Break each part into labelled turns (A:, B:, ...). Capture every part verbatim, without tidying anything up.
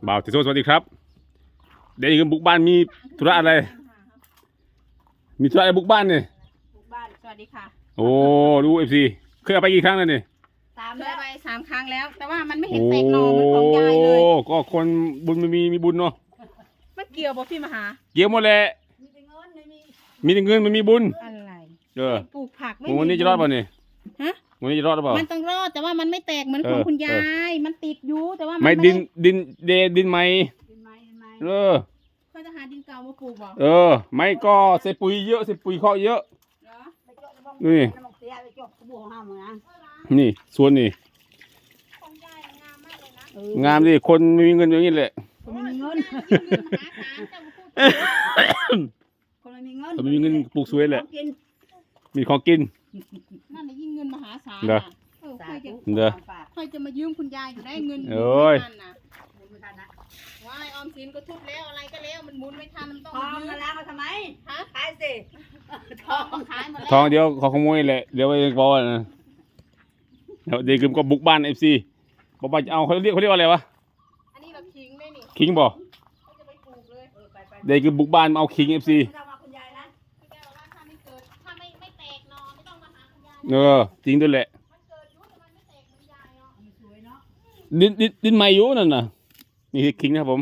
A: บ่าวติโซสวัสดีครับเดี๋ยวอีกบุกบ้านมีธุระอะไรมีธุระอะไรบุกบ้านเนี่ย
B: บุกบ้านสวัสดีค่ะ
A: โอ้ดูเอฟซีเคยเอาไปกี่ครั้งแล้วเนี่ย
B: สามแล้วไปสามครั้งแล้ว แต่ว่ามันไม่เห็นแตกหน่อเหมือนของยายเลย
A: โอ้ก็คนบุญมันมีมีบุญเนาะ
B: มันเกี่ยวบ่พี่มหา
A: เกี่ยวหมดแหละมีแต่เงินไม่มีมีแต่เงินมันมีบุญ
B: อะไร
A: เออ
B: ปลูกผักไม่
A: มีวันนี้จะรอดป่ะเนี่ย
B: ฮะ
A: วันนี้จะรอดหรือเปล่า
B: มันต้องรอดแต่ว่ามันไม่แตกเหมือนของคุณยายมันติดอยู่แต่ว่า
A: ไม่ดินดินเดดินไหมเออ
B: เขาจะหาดินเก่ามาปลูกบ่
A: เออไม่ก็ใส่ปุ๋ยเยอะใส่ปุ๋ยเคาะเยอะนี่นี่ส่วนนี่งามดิคนไม่มีเงินอย่างนี้แหละ
B: คนไม่มีเงินคนไม่มีเงิน
A: คนไม่มีเงินปลูกสวยแหละมีของกิน
B: นั่นยิ่งเงินมหาศาล
A: เด้อ
B: เด้อค่อยจะมายืมคุณยายอยู่ได้เงิน
A: โอ้ย
B: ว่ายออมสินก็ทุบแล้วอะไรก็แล้วมันหมุนไม่ทันมันต้อง
C: ทองมาแล้วมาทำไม
B: ฮะ
C: ขายสิ
B: ทองขายหมดแล้ว
A: ทองเดี๋ยวขอขโมยแหละเดี๋ยวไปบอกนะเดี๋ยวเด็กก็บุกบ้านเอฟซีบอกว่าจะเอาเขาเรียกเขาเรียกว่าอะไรวะ
B: อันนี้เราคิงเลยนี่
A: คิงบอก
B: เขาจะไปปลูกเลย
A: เด็กก็บุกบ้านมาเอาคิงเอฟซีเออจริงด้วยแหละดินดินดินไม้ยุนั่นน่ะนี่คือคิงนะครับผม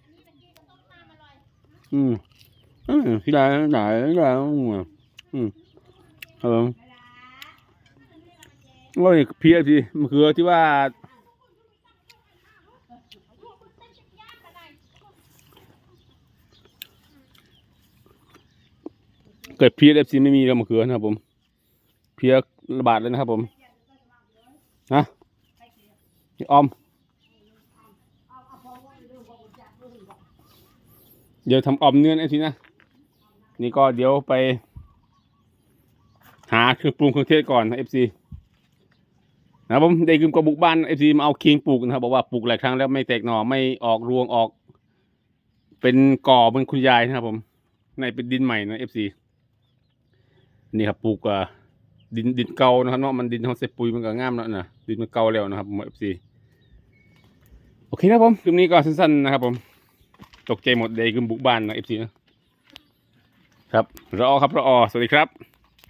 A: อืมอืมที่ไหนไหนไหนอืมครับผมว่านี่เพียสิมันคือที่ว่าเกิดเพียเอฟซีไม่มีแล้วมะเขือนะครับผมเพียระบาดเลยนะครับผมนะออมเดี๋ยวทำออมเนื้อไอ้ทีนะนี่ก็เดี๋ยวไปหาเครื่องปรุงเครื่องเทศก่อนนะเอฟซีนะผมได้กินกระบุกบ้านเอฟซีมาเอาคิงปลูกนะครับบอกว่าปลูกหลายครั้งแล้วไม่แตกหน่อไม่ออกรวงออกเป็นก่อเหมือนคุณยายนะครับผมในเป็นดินใหม่นะเอฟซีนี่ครับปลูกอ่ะดินดินเก่านะครับเนาะมันดินเขาเสพปุ๋ยมันก็งามแล้วนะดินมันเก่าแล้วนะครับผมเอฟซีโอเคนะผมคลิปนี้ก็สั้นๆนะครับผมตกใจหมดเลยคือบุกบ้านนะเอฟซีนะครับรอครับรอสวัสดีครับ